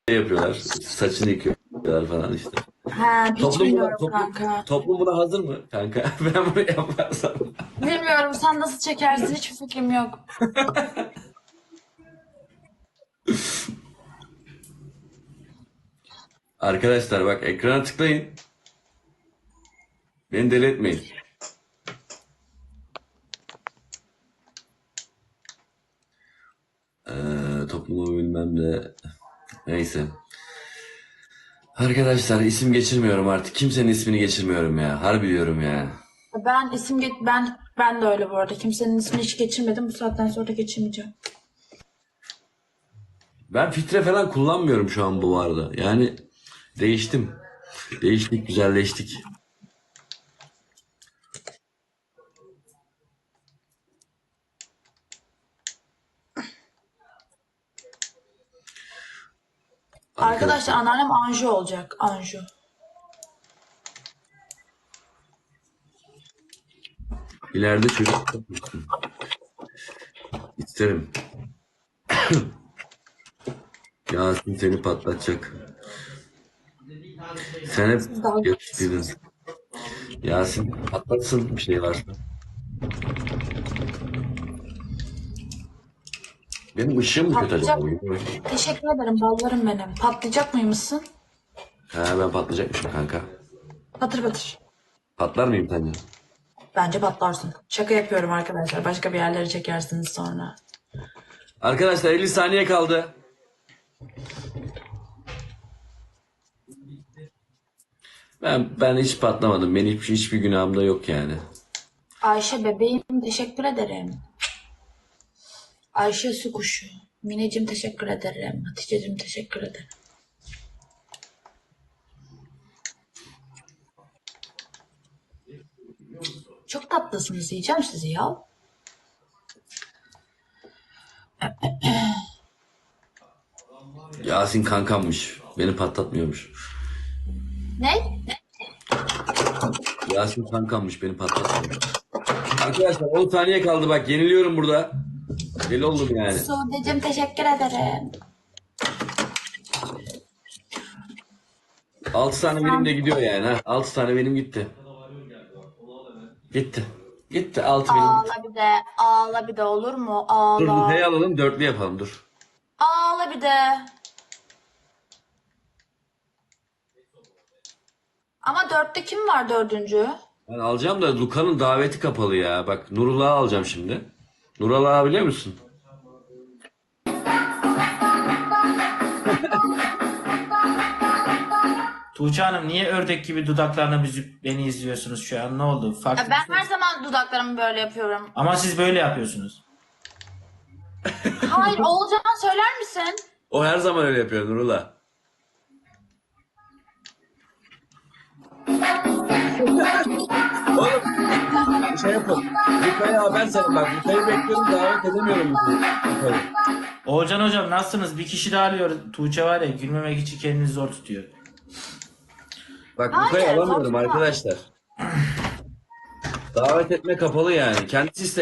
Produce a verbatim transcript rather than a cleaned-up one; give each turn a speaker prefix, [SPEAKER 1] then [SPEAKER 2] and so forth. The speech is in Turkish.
[SPEAKER 1] yapıyorlar. Saçını yıkıyorlar falan işte.
[SPEAKER 2] Ha, hiç
[SPEAKER 1] Toplum buna,
[SPEAKER 2] bilmiyorum
[SPEAKER 1] toplum,
[SPEAKER 2] kanka.
[SPEAKER 1] toplum buna hazır mı kanka? Ben bunu yaparsam.
[SPEAKER 2] Bilmiyorum, sen nasıl çekersin, hiçbir fikrim yok.
[SPEAKER 1] Arkadaşlar bak ekrana tıklayın. Beni deli etmeyin. Ee, toplumu bilmem de. Neyse. Arkadaşlar isim geçirmiyorum artık. Kimsenin ismini geçirmiyorum ya. Harbi diyorum ya.
[SPEAKER 2] Ben isim geç ben ben de öyle bu arada. Kimsenin ismini hiç geçirmedim. Bu saatten sonra da geçirmeyeceğim.
[SPEAKER 1] Ben filtre falan kullanmıyorum şu an bu arada. Yani değiştim. Değiştik, güzelleştik.
[SPEAKER 2] Arkadaşlar,
[SPEAKER 1] Arkadaşlar
[SPEAKER 2] anneannem Anju olacak. Anju.
[SPEAKER 1] ileride çocuk yapmışsın. İsterim. Yasin seni patlatacak. Sen hep
[SPEAKER 2] Siz dalga
[SPEAKER 1] yakıştıydın. Yasin patlatsın bir şey varsa. Benim ışığım mı kötü acaba
[SPEAKER 2] patlayacak.
[SPEAKER 1] bugün?
[SPEAKER 2] Teşekkür ederim ballarım benim. Patlayacak mıymışsın?
[SPEAKER 1] Ha ben patlayacakmışım kanka.
[SPEAKER 2] Patır patır.
[SPEAKER 1] Patlar mıyım sence?
[SPEAKER 2] Bence patlarsın. Şaka yapıyorum arkadaşlar. Başka bir yerlere çekersiniz sonra.
[SPEAKER 1] Arkadaşlar elli saniye kaldı. Ben ben hiç patlamadım. Benim hiç, hiçbir günahım da yok yani.
[SPEAKER 2] Ayşe bebeğim, teşekkür ederim. Ayşe su kuşu. Mineciğim, teşekkür ederim. Hatice'cim, teşekkür ederim. Çok tatlısınız, yiyeceğim sizi ya.
[SPEAKER 1] Yasin kankammış. Beni patlatmıyormuş.
[SPEAKER 2] Ne?
[SPEAKER 1] Yasin kankammış. Beni patlatmıyormuş. Arkadaşlar on saniye kaldı bak. Yeniliyorum burada. Deli oldum yani.
[SPEAKER 2] Sude'cim, teşekkür ederim.
[SPEAKER 1] altı tane benim de gidiyor yani. Ha. altı tane benim gitti. Gitti. Gitti. altı benim gitti.
[SPEAKER 2] Ağla bir de, ağla bir de, olur mu?
[SPEAKER 1] Dur Nutella'yı
[SPEAKER 2] Ağla.
[SPEAKER 1] alalım. Dörtlü yapalım dur.
[SPEAKER 2] Ağla bir de. Ama dörtte kim var dördüncü?
[SPEAKER 1] Ben alacağım da Luka'nın daveti kapalı ya. Bak Nurullah'ı alacağım şimdi. Nurullah'ı biliyor musun?
[SPEAKER 3] Tuğçe Hanım niye ördek gibi dudaklarını büzüp beni izliyorsunuz şu an? Ne oldu? Farklı
[SPEAKER 2] Ya
[SPEAKER 3] bir
[SPEAKER 2] ben
[SPEAKER 3] şey.
[SPEAKER 2] her zaman dudaklarımı böyle yapıyorum.
[SPEAKER 3] Ama siz böyle yapıyorsunuz.
[SPEAKER 2] Hayır, Oğulcan, söyler misin?
[SPEAKER 1] O her zaman öyle yapıyor Nurullah. Oğlum şey yapın. Luka'ya haber salın bak. Luka'yı bekliyorum davet edemiyorum Luka'yı.
[SPEAKER 3] Oğulcan hocam nasılsınız? Bir kişi daha arıyor. Tuğçe var ya gülmemek için kendini zor tutuyor.
[SPEAKER 1] Bak
[SPEAKER 2] Hayır,
[SPEAKER 1] Luka'yı alamıyorum
[SPEAKER 2] zorlama.
[SPEAKER 1] arkadaşlar. Davet etme kapalı yani. Kendisi